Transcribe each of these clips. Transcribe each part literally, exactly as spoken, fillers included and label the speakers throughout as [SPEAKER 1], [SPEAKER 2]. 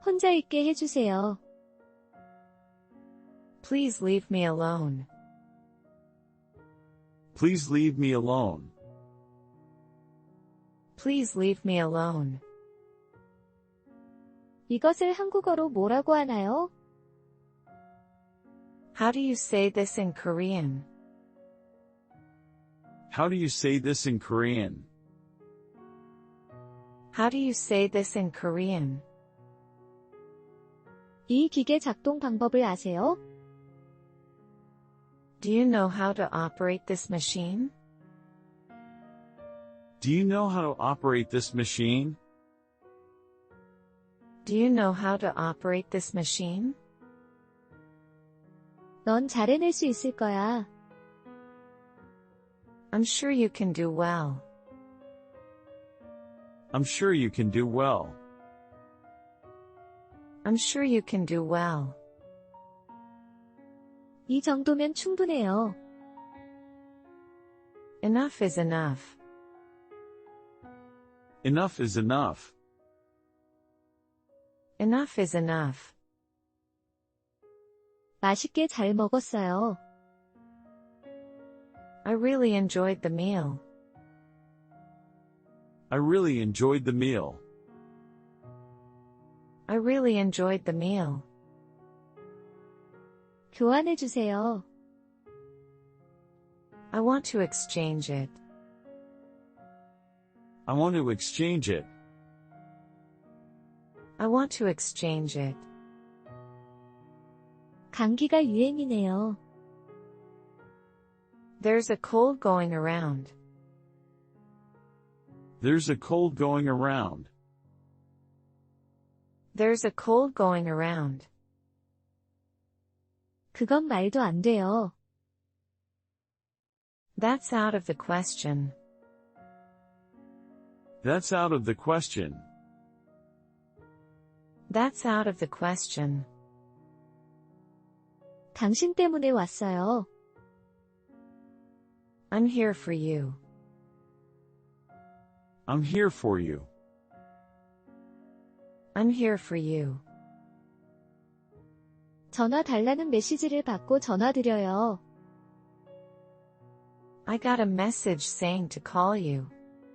[SPEAKER 1] 혼자 있게 해주세요.
[SPEAKER 2] Please leave me alone.
[SPEAKER 3] Please leave me alone.
[SPEAKER 2] Please leave me alone.
[SPEAKER 1] 이것을 한국어로 뭐라고 하나요?
[SPEAKER 2] How do you say this in Korean?
[SPEAKER 3] How do you say this in Korean?
[SPEAKER 2] How do you say this in Korean?
[SPEAKER 1] 이 기계 작동 방법을 아세요?
[SPEAKER 2] Do you know how to operate this machine?
[SPEAKER 3] Do you know how to operate this machine?
[SPEAKER 2] Do you know how to operate this machine?
[SPEAKER 1] 넌 잘 해낼 수 있을 거야.
[SPEAKER 2] I'm sure you can do well.
[SPEAKER 3] I'm sure you can do well.
[SPEAKER 2] I'm sure you can do well.
[SPEAKER 1] 이 정도면 충분해요.
[SPEAKER 2] Enough is enough.
[SPEAKER 3] Enough is enough.
[SPEAKER 2] Enough is enough.
[SPEAKER 1] 맛있게 잘 먹었어요.
[SPEAKER 2] I really enjoyed the meal.
[SPEAKER 3] I really enjoyed the meal.
[SPEAKER 2] I really enjoyed the meal.
[SPEAKER 1] 교환해 주세요.
[SPEAKER 2] I want to exchange it.
[SPEAKER 3] I want to exchange it.
[SPEAKER 2] I want to exchange it.
[SPEAKER 1] 감기가 유행이네요.
[SPEAKER 2] There's a cold going around.
[SPEAKER 3] There's a cold going around.
[SPEAKER 2] There's a cold going around.
[SPEAKER 1] 그건 말도 안 돼요.
[SPEAKER 2] That's out of the question.
[SPEAKER 3] That's out of the question.
[SPEAKER 2] That's out of the question.
[SPEAKER 1] 당신 때문에 왔어요.
[SPEAKER 2] I'm here for you.
[SPEAKER 3] I'm here for you.
[SPEAKER 2] I'm here for you.
[SPEAKER 1] 전화 달라는 메시지를 받고 전화드려요.
[SPEAKER 2] I got a message saying to call you.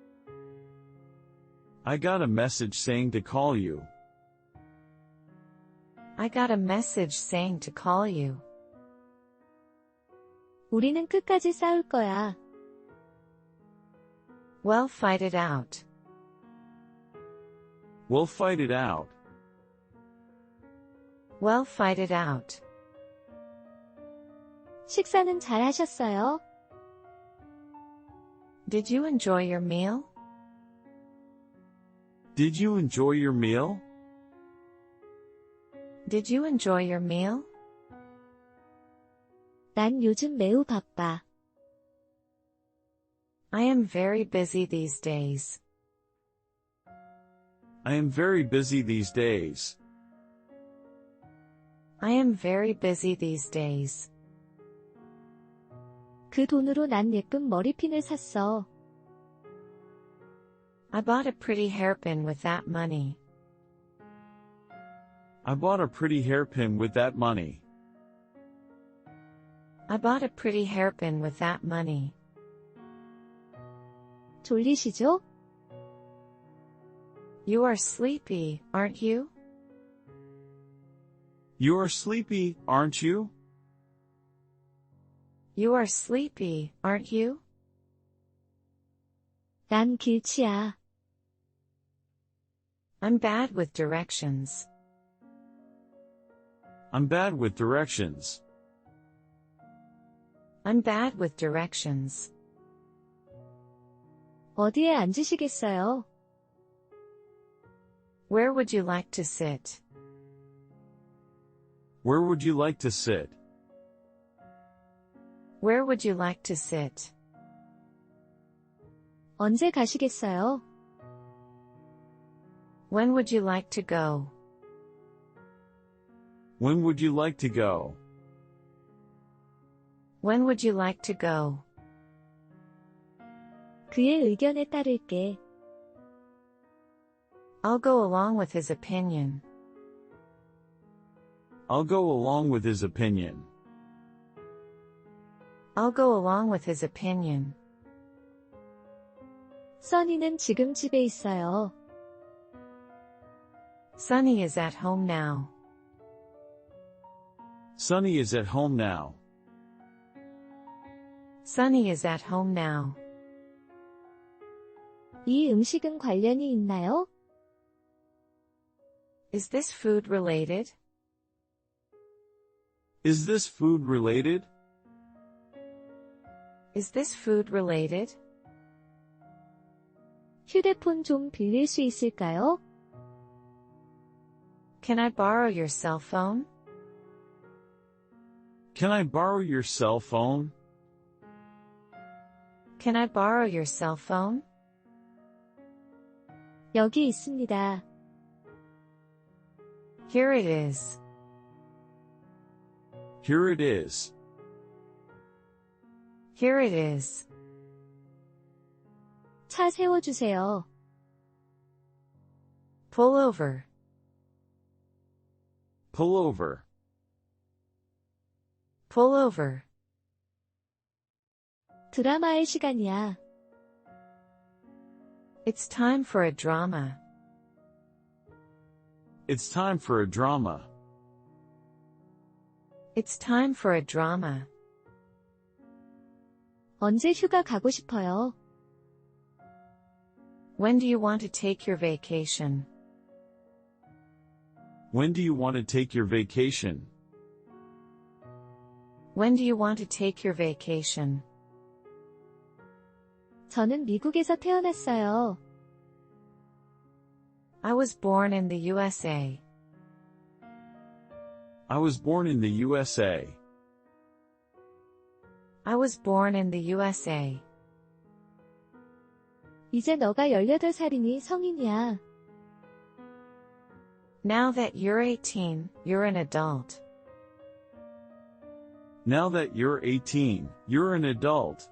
[SPEAKER 3] I got a message saying to call you.
[SPEAKER 2] I got a message saying to call you.
[SPEAKER 1] 우리는 끝까지 싸울 거야.
[SPEAKER 2] Well, fight it out.
[SPEAKER 3] We'll fight it out.
[SPEAKER 2] Well, fight it out.
[SPEAKER 1] 식사는 잘 하셨어요?
[SPEAKER 2] Did you enjoy your meal?
[SPEAKER 3] Did you enjoy your meal?
[SPEAKER 2] Did you enjoy your meal?
[SPEAKER 1] 난 요즘 매우 바빠.
[SPEAKER 2] I am very busy these days.
[SPEAKER 3] I am very busy these days.
[SPEAKER 2] I am very busy these days.
[SPEAKER 1] 그 돈으로 난 예쁜 머리핀을 샀어.
[SPEAKER 2] I bought a pretty hairpin with that money.
[SPEAKER 3] I bought a pretty hairpin with that money.
[SPEAKER 2] I bought a pretty hairpin with that money.
[SPEAKER 1] 졸리시죠?
[SPEAKER 2] You are sleepy, aren't you?
[SPEAKER 3] You are sleepy, aren't you?
[SPEAKER 2] You are sleepy, aren't you?
[SPEAKER 1] 난 길치야.
[SPEAKER 2] I'm bad with directions.
[SPEAKER 3] I'm bad with directions.
[SPEAKER 2] I'm bad with directions.
[SPEAKER 1] 어디에 앉으시겠어요?
[SPEAKER 2] Where would you like to sit?
[SPEAKER 3] Where would you like to sit?
[SPEAKER 2] Where would you like to sit?
[SPEAKER 1] 언제 가시겠어요?
[SPEAKER 2] When would you like to go?
[SPEAKER 3] When would you like to go?
[SPEAKER 2] When would you like to go?
[SPEAKER 1] 그의 의견에 따를게.
[SPEAKER 2] I'll go along with his opinion.
[SPEAKER 3] I'll go along with his opinion.
[SPEAKER 2] I'll go along with his opinion.
[SPEAKER 1] 써니는 지금 집에 있어요.
[SPEAKER 2] Sunny is at home now.
[SPEAKER 3] Sunny is at home now.
[SPEAKER 2] Sunny is at home now.
[SPEAKER 1] 이 음식은 관련이 있나요?
[SPEAKER 2] Is this food related?
[SPEAKER 3] Is this food related?
[SPEAKER 2] Is this food related?
[SPEAKER 1] 휴대폰 좀 빌릴 수 있을까요?
[SPEAKER 2] Can I borrow your cell phone?
[SPEAKER 3] Can I borrow your cell phone?
[SPEAKER 2] Can I borrow your cell phone?
[SPEAKER 1] 여기 있습니다.
[SPEAKER 2] Here it is.
[SPEAKER 3] Here it is.
[SPEAKER 2] Here it is.
[SPEAKER 1] 차 세워주세요.
[SPEAKER 2] Pull over.
[SPEAKER 3] Pull over.
[SPEAKER 2] Pull over.
[SPEAKER 1] 드라마의 시간이야.
[SPEAKER 2] It's time for a drama.
[SPEAKER 3] It's time for a drama.
[SPEAKER 2] It's time for a drama.
[SPEAKER 1] 언제 휴가 가고 싶어요?
[SPEAKER 2] When do you want to take your vacation?
[SPEAKER 3] When do you want to take your vacation?
[SPEAKER 2] When do you want to take your vacation?
[SPEAKER 1] 저는 미국에서 태어났어요.
[SPEAKER 2] I was born in the U S A.
[SPEAKER 3] I was born in the U S A.
[SPEAKER 2] I was born in the U S A.
[SPEAKER 1] 이제 너가 열여덟 살이니 성인이야.
[SPEAKER 2] Now that you're eighteen, you're an adult.
[SPEAKER 3] Now that you're eighteen, you're an adult.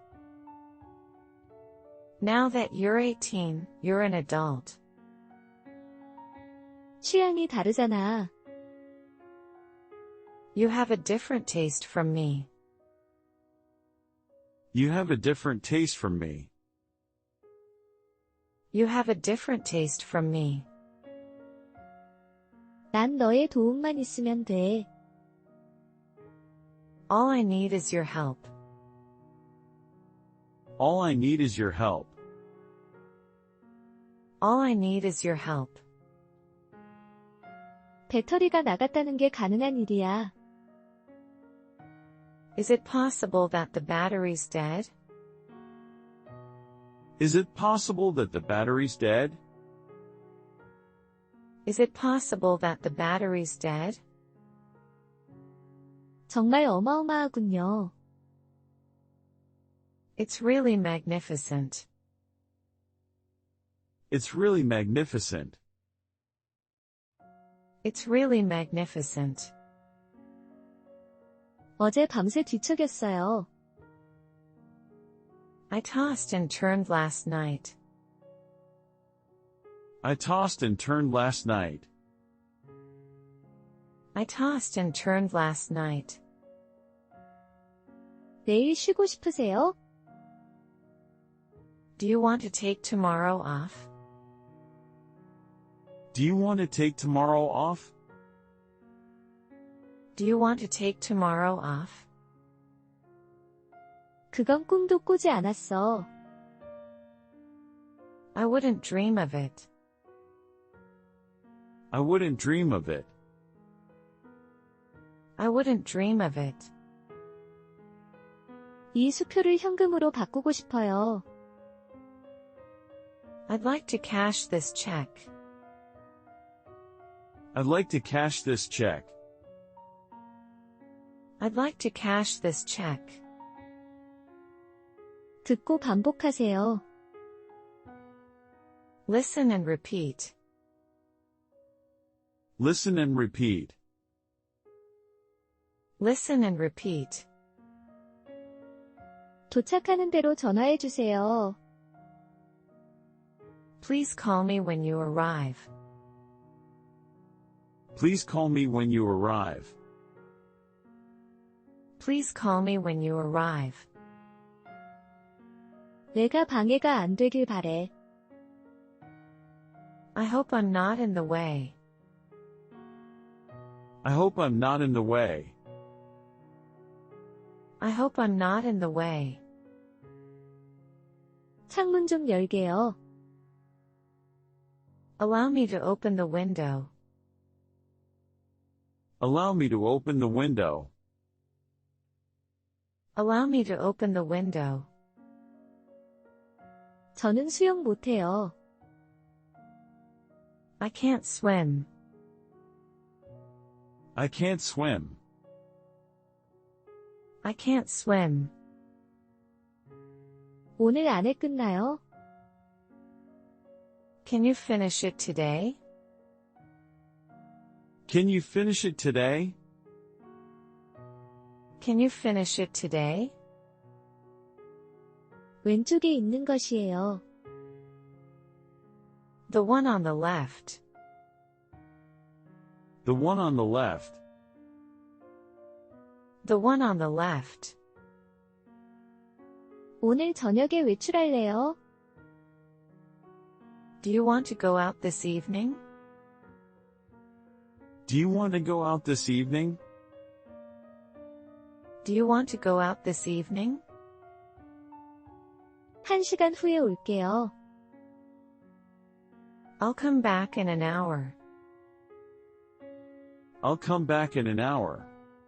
[SPEAKER 2] Now that you're eighteen, you're an adult.
[SPEAKER 1] 취향이 다르잖아.
[SPEAKER 2] You have a different taste from me.
[SPEAKER 3] You have a different taste from me.
[SPEAKER 2] You have a different taste from me.
[SPEAKER 1] 난 너의 도움만 있으면 돼.
[SPEAKER 2] All I need is your help.
[SPEAKER 3] All I need is your help.
[SPEAKER 2] All I need is your help.
[SPEAKER 1] 배터리가 나갔다는 게 가능한 일이야.
[SPEAKER 2] Is it possible that the battery's dead?
[SPEAKER 3] Is it possible that the battery's dead?
[SPEAKER 2] Is it possible that the battery's dead?
[SPEAKER 1] 정말 어마어마하군요.
[SPEAKER 2] It's really magnificent.
[SPEAKER 3] It's really magnificent.
[SPEAKER 2] It's really magnificent.
[SPEAKER 1] 어제 밤새 뒤척였어요.
[SPEAKER 2] I tossed and turned last night.
[SPEAKER 3] I tossed and turned last night.
[SPEAKER 2] I tossed and turned last night.
[SPEAKER 1] 내일 쉬고 싶으세요?
[SPEAKER 2] Do you want to take tomorrow off?
[SPEAKER 3] Do you want to take tomorrow off?
[SPEAKER 2] Do you want to take tomorrow off?
[SPEAKER 1] 그건 꿈도 꾸지 않았어.
[SPEAKER 2] I wouldn't dream of it.
[SPEAKER 3] I wouldn't dream of it.
[SPEAKER 2] I wouldn't dream of it.
[SPEAKER 1] 이 수표를 현금으로 바꾸고 싶어요.
[SPEAKER 2] I'd like to cash this check.
[SPEAKER 3] I'd like to cash this check.
[SPEAKER 2] I'd like to cash this check.
[SPEAKER 1] 듣고 반복하세요.
[SPEAKER 2] Listen and repeat.
[SPEAKER 3] Listen and repeat.
[SPEAKER 2] Listen and repeat.
[SPEAKER 1] 도착하는 대로 전화해 주세요.
[SPEAKER 2] Please call me when you arrive.
[SPEAKER 3] Please call me when you arrive.
[SPEAKER 2] Please call me when you arrive.
[SPEAKER 1] 내가 방해가 안 되길 바래.
[SPEAKER 2] I hope I'm not in the way.
[SPEAKER 3] I hope I'm not in the way.
[SPEAKER 2] I hope I'm not in the way.
[SPEAKER 1] 창문 좀 열게요.
[SPEAKER 2] Allow me to open the window.
[SPEAKER 3] Allow me to open the window.
[SPEAKER 2] Allow me to open the window.
[SPEAKER 1] 저는 수영 못해요.
[SPEAKER 2] I can't swim.
[SPEAKER 3] I can't swim.
[SPEAKER 2] I can't swim.
[SPEAKER 1] 오늘 안에 끝나요?
[SPEAKER 2] Can you finish it today?
[SPEAKER 3] Can you finish it today?
[SPEAKER 2] Can you finish it today?
[SPEAKER 1] 왼쪽에 있는 것이에요.
[SPEAKER 2] The one on the left.
[SPEAKER 3] The one on the left.
[SPEAKER 2] The one on the left.
[SPEAKER 1] 오늘 저녁에 외출할래요?
[SPEAKER 2] Do you want to go out this evening?
[SPEAKER 3] Do you want to go out this evening?
[SPEAKER 2] Do you want to go out this evening?
[SPEAKER 1] 한 시간 후에 올게요.
[SPEAKER 2] I'll come back in an hour.
[SPEAKER 3] I'll come back in an hour.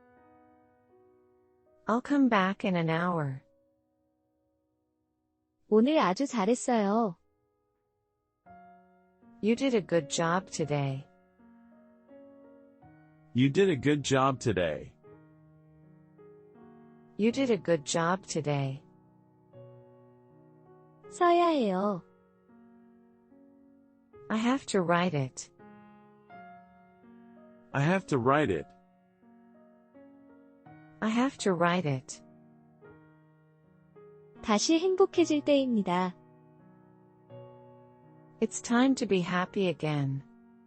[SPEAKER 2] I'll come back in an hour.
[SPEAKER 1] 오늘 아주 잘했어요.
[SPEAKER 2] You did a good job today.
[SPEAKER 3] You did a good job today.
[SPEAKER 2] You did a good job today.
[SPEAKER 1] 써야 해요.
[SPEAKER 2] I have to write it.
[SPEAKER 3] I have to write it.
[SPEAKER 2] I have to write it.
[SPEAKER 1] 다시 행복해질 때입니다.
[SPEAKER 2] It's time to be happy again.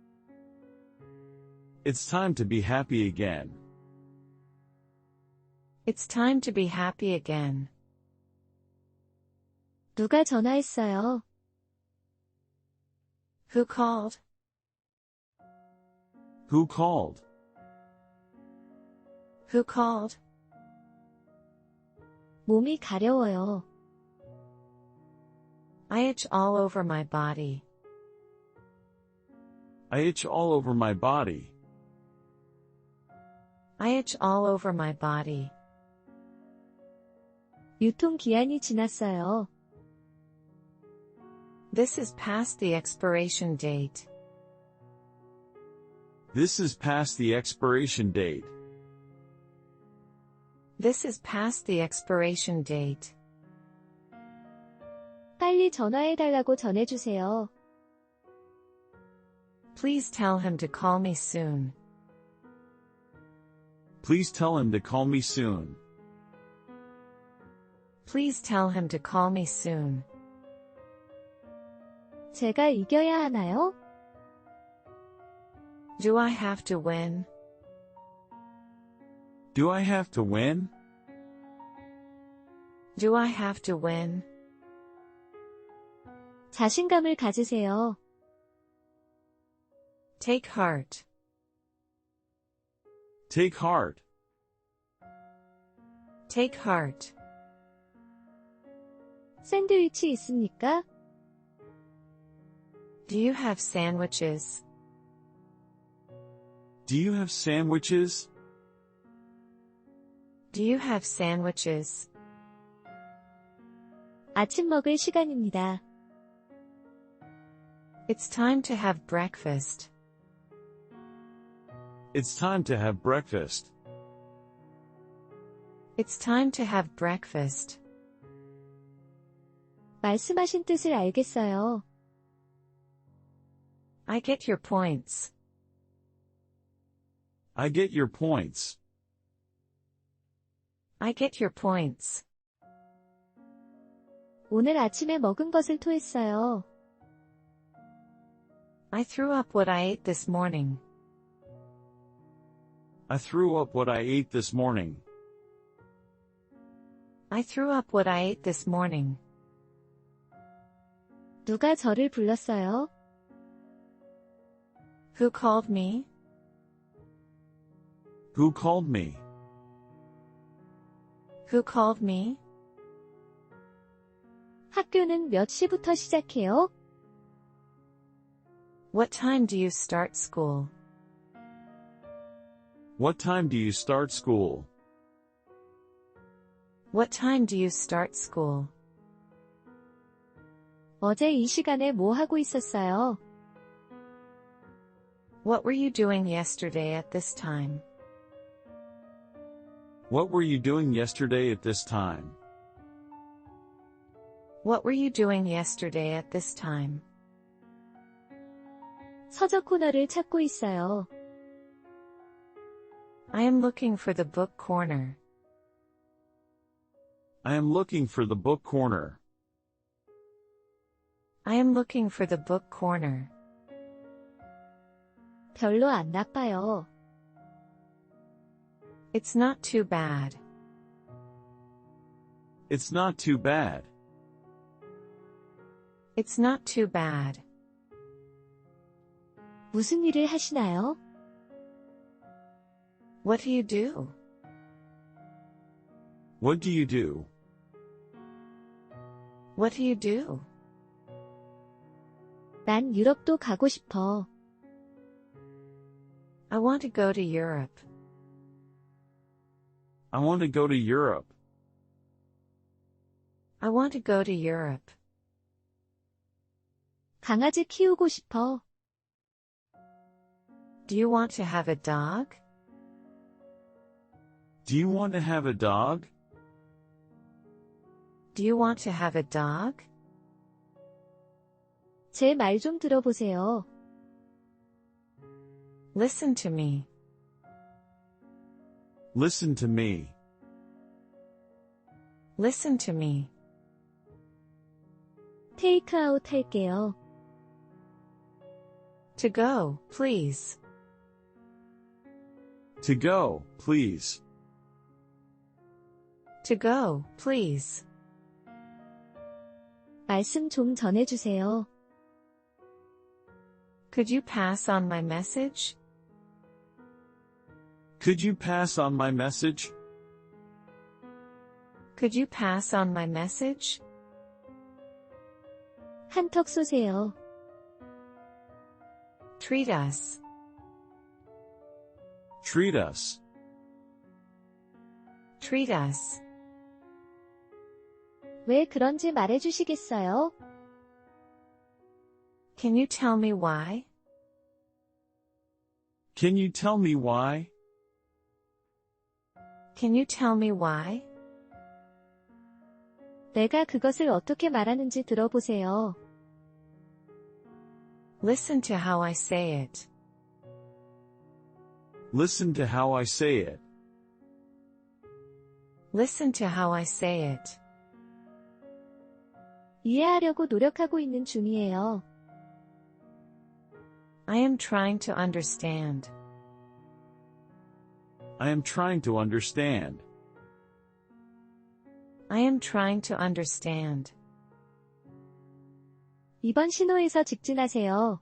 [SPEAKER 3] It's time to be happy again.
[SPEAKER 2] It's time to be happy again.
[SPEAKER 1] 누가 전화했어요?
[SPEAKER 2] Who called?
[SPEAKER 3] Who called?
[SPEAKER 2] Who called?
[SPEAKER 1] 몸이 가려워요.
[SPEAKER 2] I itch all over my body.
[SPEAKER 3] I itch all over my body.
[SPEAKER 2] I itch all over my body.
[SPEAKER 1] 유통기한이 지났어요.
[SPEAKER 2] This is past the expiration date.
[SPEAKER 3] This is past the expiration date.
[SPEAKER 2] This is past the expiration date.
[SPEAKER 1] 빨리 전화해달라고 전해주세요.
[SPEAKER 2] Please tell him to call me soon.
[SPEAKER 3] Please tell him to call me soon.
[SPEAKER 2] Please tell him to call me soon.
[SPEAKER 1] 제가 이겨야 하나요?
[SPEAKER 2] Do I have to win?
[SPEAKER 3] Do I have to win?
[SPEAKER 2] Do I have to win?
[SPEAKER 1] 자신감을 가지세요.
[SPEAKER 2] Take heart.
[SPEAKER 3] Take heart.
[SPEAKER 2] Take heart.
[SPEAKER 1] 샌드위치 있습니까?
[SPEAKER 2] Do you have sandwiches?
[SPEAKER 3] Do you have sandwiches?
[SPEAKER 2] Do you have sandwiches?
[SPEAKER 1] 아침 먹을 시간입니다.
[SPEAKER 2] It's time to have breakfast.
[SPEAKER 3] It's time to have breakfast.
[SPEAKER 2] It's time to have breakfast.
[SPEAKER 1] 말씀하신 뜻을 알겠어요.
[SPEAKER 2] I get your points.
[SPEAKER 3] I get your points.
[SPEAKER 2] I get your points.
[SPEAKER 1] 오늘 아침에 먹은 것을 토했어요.
[SPEAKER 2] I threw up what I ate this morning.
[SPEAKER 3] I threw up what I ate this morning.
[SPEAKER 2] I threw up what I ate this morning.
[SPEAKER 1] 누가 저를 불렀어요?
[SPEAKER 2] Who called me?
[SPEAKER 3] Who called me?
[SPEAKER 2] Who called me?
[SPEAKER 1] 학교는 몇 시부터 시작해요?
[SPEAKER 2] What time do you start school?
[SPEAKER 3] What time do you start school?
[SPEAKER 2] What time do you start school?
[SPEAKER 1] 어제 이 시간에 뭐 하고 있었어요?
[SPEAKER 2] What were you doing yesterday at this time?
[SPEAKER 3] What were you doing yesterday at this time?
[SPEAKER 2] What were you doing yesterday at this time?
[SPEAKER 1] 서적 코너를 찾고 있어요.
[SPEAKER 2] I am looking for the book corner.
[SPEAKER 3] I am looking for the book corner.
[SPEAKER 2] I am looking for the book corner.
[SPEAKER 1] 별로 안 나빠요.
[SPEAKER 2] It's not too bad.
[SPEAKER 3] It's not too bad.
[SPEAKER 2] It's not too bad.
[SPEAKER 1] 무슨 일을 하시나요?
[SPEAKER 2] What do you do?
[SPEAKER 3] What do you do?
[SPEAKER 2] What do you do?
[SPEAKER 1] 난 유럽도 가고 싶어.
[SPEAKER 2] I want to go to Europe.
[SPEAKER 3] I want to go to Europe.
[SPEAKER 2] I want to go to Europe.
[SPEAKER 1] 강아지 키우고 싶어.
[SPEAKER 2] Do you want to have a dog?
[SPEAKER 3] Do you want to have a dog?
[SPEAKER 2] Do you want to have a dog?
[SPEAKER 1] 제 말 좀 들어보세요.
[SPEAKER 2] Listen to me.
[SPEAKER 3] Listen to me.
[SPEAKER 2] Listen to me.
[SPEAKER 1] 테이크아웃 할게요.
[SPEAKER 2] To go, please.
[SPEAKER 3] To go, please.
[SPEAKER 2] To go, please.
[SPEAKER 1] 말씀 좀 전해주세요.
[SPEAKER 2] Could you pass on my message?
[SPEAKER 3] Could you pass on my message?
[SPEAKER 2] Could you pass on my message?
[SPEAKER 1] 한턱 쏘세요.
[SPEAKER 2] Treat us.
[SPEAKER 3] Treat us.
[SPEAKER 2] Treat us.
[SPEAKER 1] 왜 그런지 말해주시겠어요?
[SPEAKER 2] Can you tell me why?
[SPEAKER 3] Can you tell me why?
[SPEAKER 2] Can you tell me why?
[SPEAKER 1] 내가 그것을 어떻게 말하는지 들어보세요.
[SPEAKER 2] Listen to how I say it.
[SPEAKER 3] Listen to how I say it.
[SPEAKER 2] Listen to how I say it.
[SPEAKER 1] 이해하려고 노력하고 있는 중이에요.
[SPEAKER 2] I am trying to understand.
[SPEAKER 3] I am trying to understand.
[SPEAKER 2] I am trying to understand.
[SPEAKER 1] 이번 신호에서 직진하세요.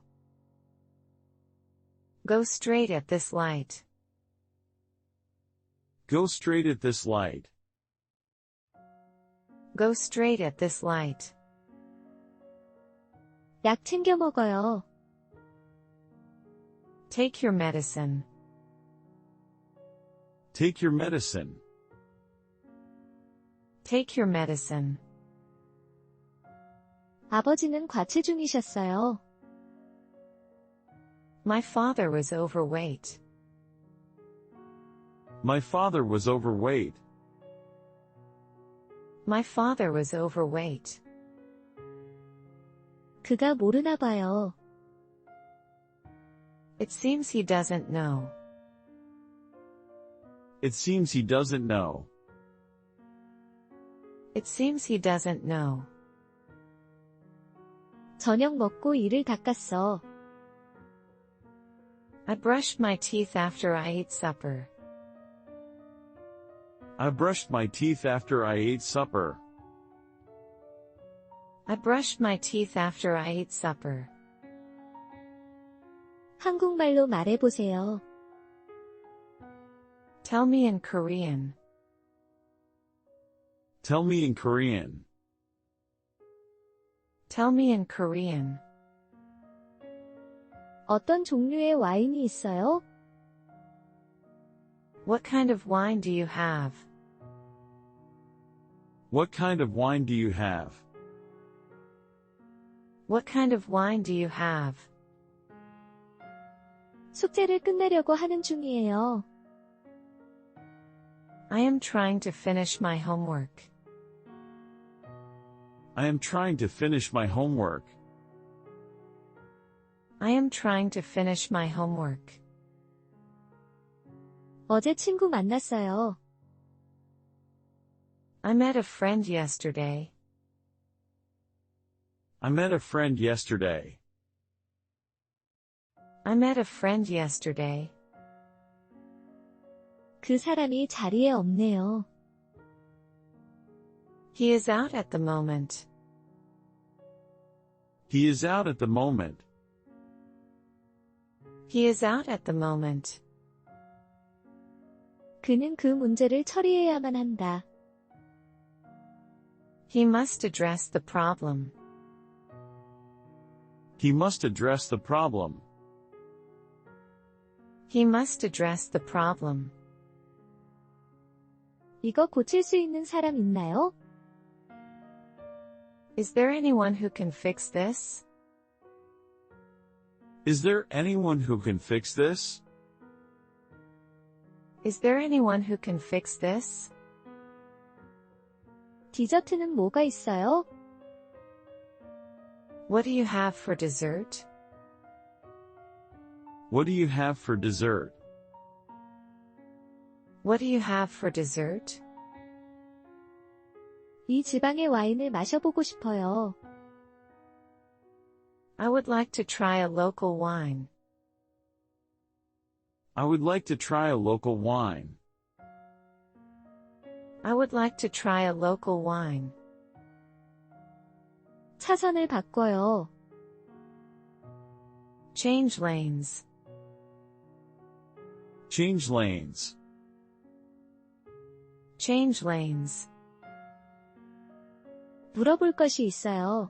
[SPEAKER 2] Go straight at this light.
[SPEAKER 3] Go straight at this light.
[SPEAKER 2] Go straight at this light.
[SPEAKER 1] 약 챙겨 먹어요.
[SPEAKER 2] Take your medicine.
[SPEAKER 3] Take your medicine.
[SPEAKER 2] Take your medicine.
[SPEAKER 1] 아버지는 과체중이셨어요.
[SPEAKER 2] My father was overweight.
[SPEAKER 3] My father was overweight.
[SPEAKER 2] My father was overweight.
[SPEAKER 1] 그가 모르나 봐요.
[SPEAKER 2] It seems he doesn't know.
[SPEAKER 3] It seems he doesn't know.
[SPEAKER 2] It seems he doesn't know.
[SPEAKER 1] 저녁 먹고 이를 닦았어.
[SPEAKER 2] I brushed my teeth after I ate supper.
[SPEAKER 3] I brushed my teeth after I ate supper.
[SPEAKER 2] I brushed my teeth after I ate supper.
[SPEAKER 1] 한국말로 말해보세요.
[SPEAKER 2] Tell me in Korean.
[SPEAKER 3] Tell me in Korean.
[SPEAKER 2] Tell me in Korean.
[SPEAKER 1] 어떤 종류의 와인이 있어요?
[SPEAKER 2] What kind of wine do you have?
[SPEAKER 3] What kind of wine do you have?
[SPEAKER 2] What kind of wine do you have?
[SPEAKER 1] 숙제를 끝내려고 하는 중이에요.
[SPEAKER 2] I am trying to finish my homework.
[SPEAKER 3] I am trying to finish my homework.
[SPEAKER 2] I am trying to finish my homework.
[SPEAKER 1] 어제 친구 만났어요.
[SPEAKER 2] I met a friend yesterday.
[SPEAKER 3] I met a friend yesterday.
[SPEAKER 2] I met a friend yesterday.
[SPEAKER 1] 그 사람이 자리에 없네요.
[SPEAKER 2] He is out at the moment.
[SPEAKER 3] He is out at the moment.
[SPEAKER 2] He is out at the moment.
[SPEAKER 1] 그는 그 문제를 처리해야만 한다.
[SPEAKER 2] He must address the problem.
[SPEAKER 3] He must address the problem.
[SPEAKER 2] He must address the problem.
[SPEAKER 1] 이거 고칠 수 있는 사람 있나요?
[SPEAKER 2] Is there anyone who can fix this?
[SPEAKER 3] Is there anyone who can fix this?
[SPEAKER 2] Is there anyone who can fix this?
[SPEAKER 1] 디저트는 뭐가 있어요?
[SPEAKER 2] What do you have for dessert?
[SPEAKER 3] What do you have for dessert?
[SPEAKER 2] What do you have for dessert?
[SPEAKER 1] 이 지방의 와인을 마셔보고 싶어요.
[SPEAKER 2] I would like to try a local wine.
[SPEAKER 3] I would like to try a local wine.
[SPEAKER 2] I would like to try a local wine.
[SPEAKER 1] 차선을 바꿔요.
[SPEAKER 2] Change lanes.
[SPEAKER 3] Change lanes.
[SPEAKER 2] Change lanes.
[SPEAKER 1] 물어볼 것이 있어요.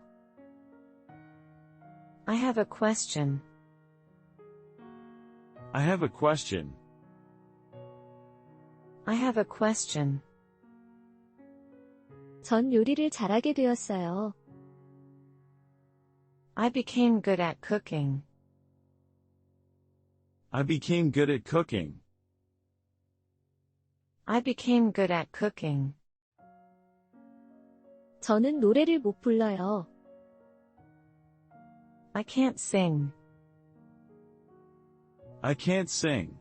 [SPEAKER 2] I have a question.
[SPEAKER 3] I have a question.
[SPEAKER 2] I have a question.
[SPEAKER 1] 전 요리를 잘하게 되었어요.
[SPEAKER 2] I became good at cooking.
[SPEAKER 3] I became good at cooking.
[SPEAKER 2] I became good at cooking.
[SPEAKER 1] 저는 노래를 못 불러요.
[SPEAKER 2] I can't sing.
[SPEAKER 3] I can't sing.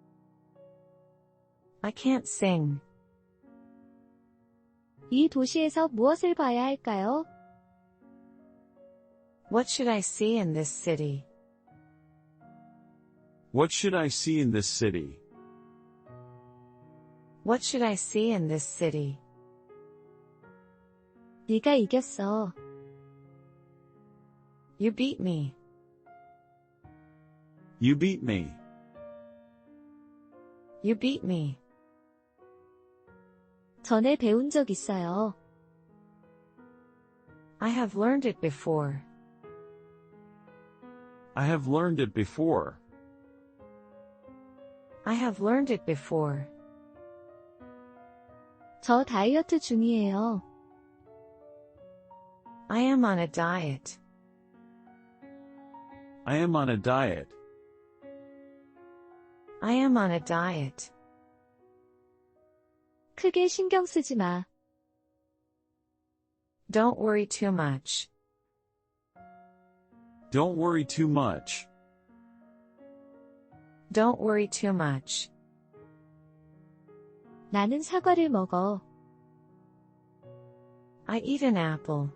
[SPEAKER 2] I can't sing.
[SPEAKER 1] 이 도시에서 무엇을 봐야 할까요?
[SPEAKER 2] What should I see in this city?
[SPEAKER 3] What should I see in this city?
[SPEAKER 2] What should I see in this city?
[SPEAKER 1] 네가 이겼어.
[SPEAKER 2] You beat me.
[SPEAKER 3] You beat me.
[SPEAKER 2] You beat me.
[SPEAKER 1] 전에 배운 적 있어요.
[SPEAKER 2] I have learned it before.
[SPEAKER 3] I have learned it before.
[SPEAKER 2] I have learned it before.
[SPEAKER 1] 저 다이어트 중이에요.
[SPEAKER 2] I am on a diet.
[SPEAKER 3] I am on a diet.
[SPEAKER 2] I am on a diet.
[SPEAKER 1] 크게 신경 쓰지 마.
[SPEAKER 2] Don't worry too much.
[SPEAKER 3] Don't worry too much.
[SPEAKER 2] Don't worry too much.
[SPEAKER 1] 나는 사과를 먹어.
[SPEAKER 2] I eat an apple.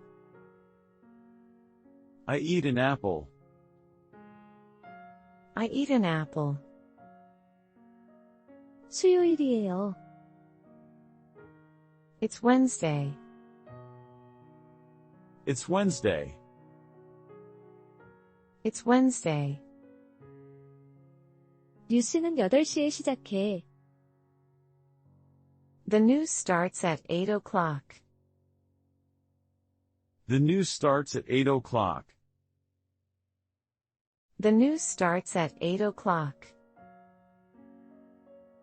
[SPEAKER 3] I eat an apple.
[SPEAKER 2] I eat an apple.
[SPEAKER 1] 수요일이에요.
[SPEAKER 2] It's Wednesday.
[SPEAKER 3] It's Wednesday.
[SPEAKER 2] It's Wednesday.
[SPEAKER 1] 뉴스는 여덟 시에 시작해.
[SPEAKER 2] The news starts at eight o'clock.
[SPEAKER 3] The news starts at eight o'clock.
[SPEAKER 2] The news starts at eight o'clock.